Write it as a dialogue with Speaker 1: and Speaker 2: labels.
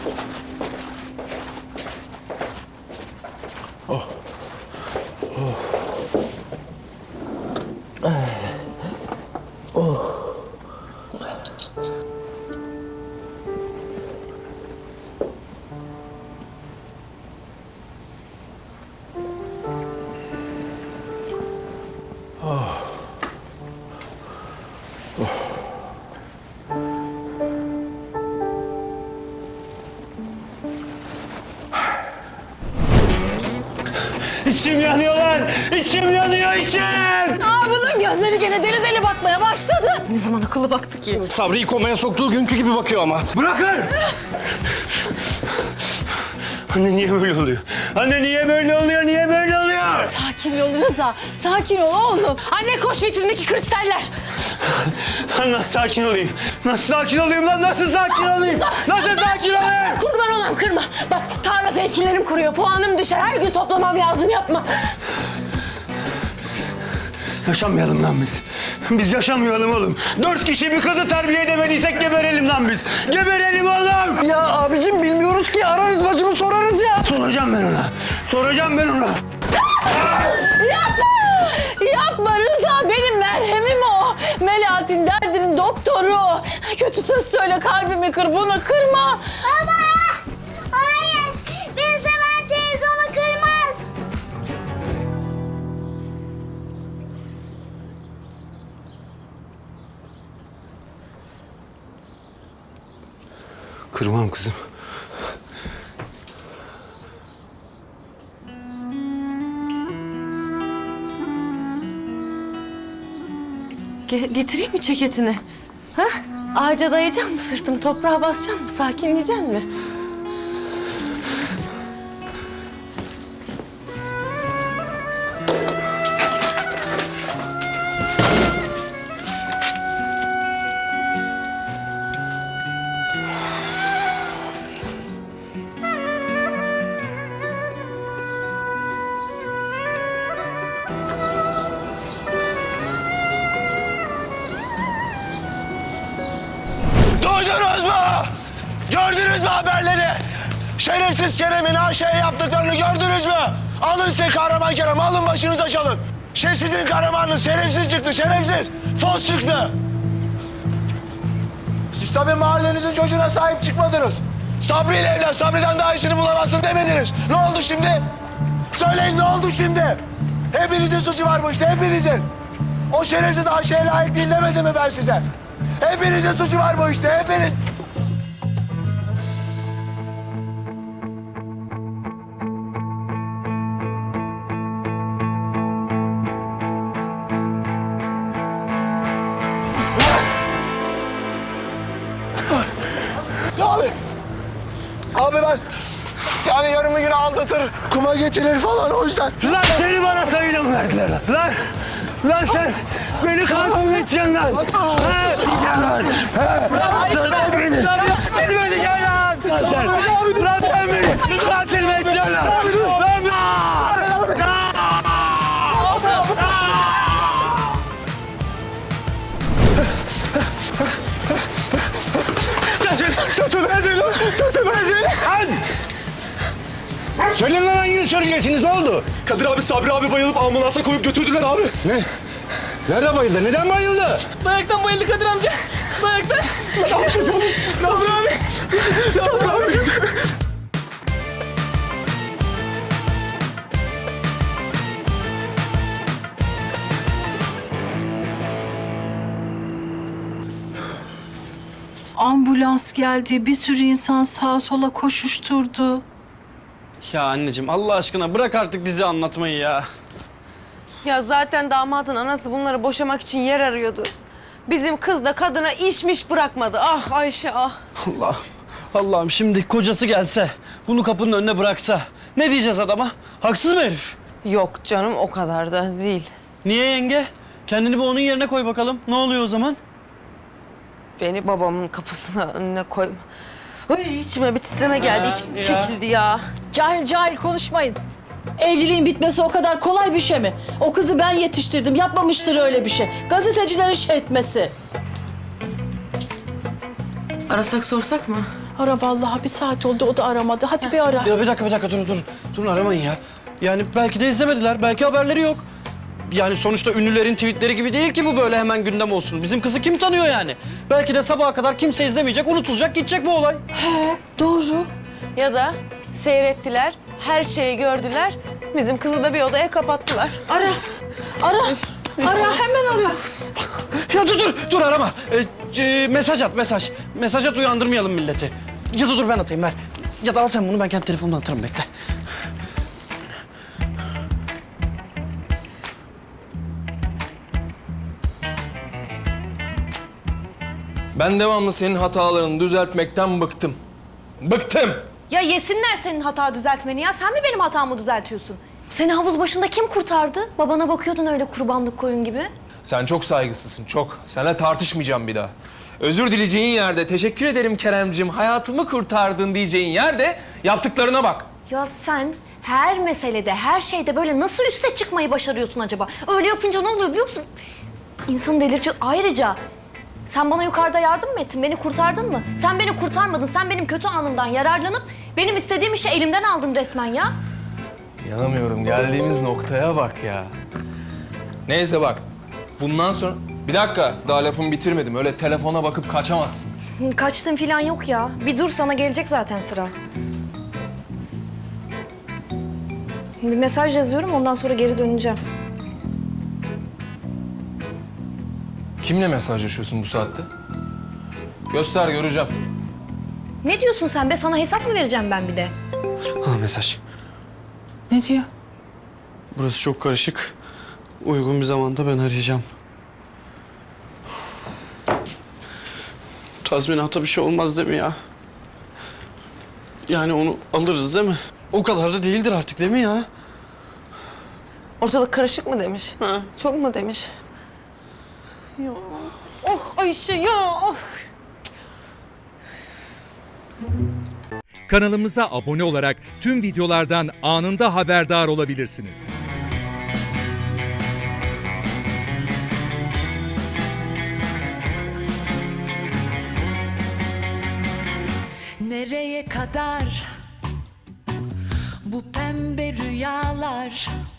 Speaker 1: İçim yanıyor lan! İçim yanıyor, içim!
Speaker 2: Bunun gözleri gene deli deli bakmaya başladı. Ne zaman akıllı baktı ki?
Speaker 1: Sabri'yi komaya soktuğu günkü gibi bakıyor ama. Bırakın! Anne niye böyle oluyor? Anne niye böyle oluyor? Niye böyle oluyor?
Speaker 2: Sakin ol Rıza, sakin ol oğlum. Anne koş vitrindeki kristaller.
Speaker 1: Nasıl sakin olayım? Nasıl sakin olayım lan? Nasıl sakin olayım? Nasıl sakin olayım?
Speaker 2: Kurban olam kırma. Bak tarlada ekinlerim kuruyor, puanım düşer. Her gün toplamam lazım, yapma.
Speaker 1: Yaşamayalım lan biz. Biz yaşamayalım oğlum. 4 kişi bir kızı terbiye edemediysek geberelim lan biz. Geberelim oğlum.
Speaker 3: Ya abicim bilmiyoruz ki. Ararız bacımı sorarız ya.
Speaker 1: Soracağım ben ona. Soracağım ben ona.
Speaker 2: Yapma! Yapma Rıza, benim merhemim o. Melahat'in derdinin doktoru. Kötü söz söyle, kalbimi kır, bunu kırma.
Speaker 4: Baba! Hayır! Beni seven teyze onu kırmaz.
Speaker 1: Kırmam kızım.
Speaker 2: Getireyim mi ceketini? Ha? Ağaca dayayacak mı sırtını, toprağa basacak mı, sakinleyecek mi?
Speaker 1: Duydunuz mu? Gördünüz mü haberleri? Şerefsiz Kerem'in Ayşe'ye yaptıklarını gördünüz mü? Alın size kahraman Kerem, alın başınıza çalın. Sizin kahramanınız şerefsiz çıktı, şerefsiz. Fos çıktı. Siz tabii mahallenizin çocuğuna sahip çıkmadınız. Sabri ile evlen, Sabri'den daha iyisini bulamazsın demediniz. Ne oldu şimdi? Söyleyin, ne oldu şimdi? Hepinizin suçu var bu işte, hepinizin. O şerefsiz Ayşe'ye layık değil demedim mi ben size? Hepinizin suçu var bu işte, hepiniz. Abi ben yani yarım gün aldatır, kuma getirir falan o yüzden. Lan seni bana sayıyla mı verdiler lan? Lan sen beni katil mi edeceksin lan? He? Gel lan. He? Sen beni. Beni gel lan. Lan sen. Lan sen beni katil mi edeceksin lan? Lan Sözü verdin lan! Sözü verdin! Lan! Söyleyin lan hangini söyleyeceksiniz, ne oldu?
Speaker 5: Kadir abi, Sabri abi bayılıp ambulansa koyup götürdüler abi.
Speaker 1: Ne? Nerede bayıldı? Neden bayıldı?
Speaker 2: Bayaktan bayıldı Kadir amca. Bayaktan.
Speaker 5: Sabri abi! Sabri abi!
Speaker 6: Ambulans geldi, bir sürü insan sağa sola koşuşturdu.
Speaker 3: Ya anneciğim Allah aşkına bırak artık dizi anlatmayı ya.
Speaker 2: Ya zaten damadın anası bunları boşamak için yer arıyordu. Bizim kız da kadına işmiş bırakmadı. Ah Ayşe ah.
Speaker 3: Allah'ım şimdi kocası gelse, bunu kapının önüne bıraksa ne diyeceğiz adama? Haksız mı herif?
Speaker 2: Yok canım, o kadar da değil.
Speaker 3: Niye yenge? Kendini bir onun yerine koy bakalım. Ne oluyor o zaman?
Speaker 2: Beni babamın kapısına önüne koyma. Ay, içime bir titreme geldi, içim çekildi ya.
Speaker 7: Cahil cahil konuşmayın. Evliliğin bitmesi o kadar kolay bir şey mi? O kızı ben yetiştirdim, yapmamıştır öyle bir şey. Gazetecilerin şey etmesi.
Speaker 2: Arasak sorsak mı?
Speaker 7: Ara vallahi, bir saat oldu o da aramadı. Hadi bir ara.
Speaker 3: Ya bir dakika durun. Durun aramayın ya. Yani belki de izlemediler, belki haberleri yok. Yani sonuçta ünlülerin tweetleri gibi değil ki bu böyle hemen gündem olsun. Bizim kızı kim tanıyor yani? Belki de sabaha kadar kimse izlemeyecek, unutulacak, gidecek bu olay.
Speaker 7: Doğru.
Speaker 2: Ya da seyrettiler, her şeyi gördüler. Bizim kızı da bir odaya kapattılar.
Speaker 7: Ara. Hemen ara.
Speaker 3: Ya dur arama. Mesaj at, mesaj. Mesaj at, uyandırmayalım milleti. Ya da dur ben atayım, ver. Ya da al sen bunu, ben kendi telefonumdan atarım, bekle.
Speaker 8: Ben devamlı senin hatalarını düzeltmekten bıktım. Bıktım!
Speaker 9: Ya yesinler senin hata düzeltmeni ya. Sen mi benim hatamı düzeltiyorsun? Seni havuz başında kim kurtardı? Babana bakıyordun öyle kurbanlık koyun gibi.
Speaker 8: Sen çok saygısızsın, çok. Seninle tartışmayacağım bir daha. Özür dileyeceğin yerde, teşekkür ederim Keremcim, hayatımı kurtardın diyeceğin yerde yaptıklarına bak.
Speaker 9: Ya sen her meselede, her şeyde böyle nasıl üste çıkmayı başarıyorsun acaba? Öyle yapınca ne oluyor biliyor musun? İnsanı delirtiyor. Ayrıca sen bana yukarıda yardım mı ettin? Beni kurtardın mı? Sen beni kurtarmadın. Sen benim kötü anımdan yararlanıp benim istediğim işi elimden aldın resmen ya.
Speaker 8: İnanamıyorum, geldiğimiz noktaya bak ya. Neyse bak, bundan sonra... Bir dakika, daha lafımı bitirmedim. Öyle telefona bakıp kaçamazsın.
Speaker 9: Kaçtın falan yok ya. Bir dur, sana gelecek zaten sıra. Bir mesaj yazıyorum, ondan sonra geri döneceğim.
Speaker 8: Kimle mesajlaşıyorsun bu saatte? Göster, göreceğim.
Speaker 9: Ne diyorsun sen be? Sana hesap mı vereceğim ben bir de?
Speaker 3: Ha mesaj.
Speaker 7: Ne diyor?
Speaker 3: Burası çok karışık. Uygun bir zamanda ben arayacağım. Tazminata bir şey olmaz değil mi ya? Yani onu alırız değil mi? O kadar da değildir artık değil mi ya?
Speaker 2: Ortalık karışık mı demiş?
Speaker 3: Ha.
Speaker 2: Çok mu demiş? Ya. Oh Ayşe ya. Oh.
Speaker 10: Kanalımıza abone olarak tüm videolardan anında haberdar olabilirsiniz.
Speaker 6: Nereye kadar bu pembe rüyalar?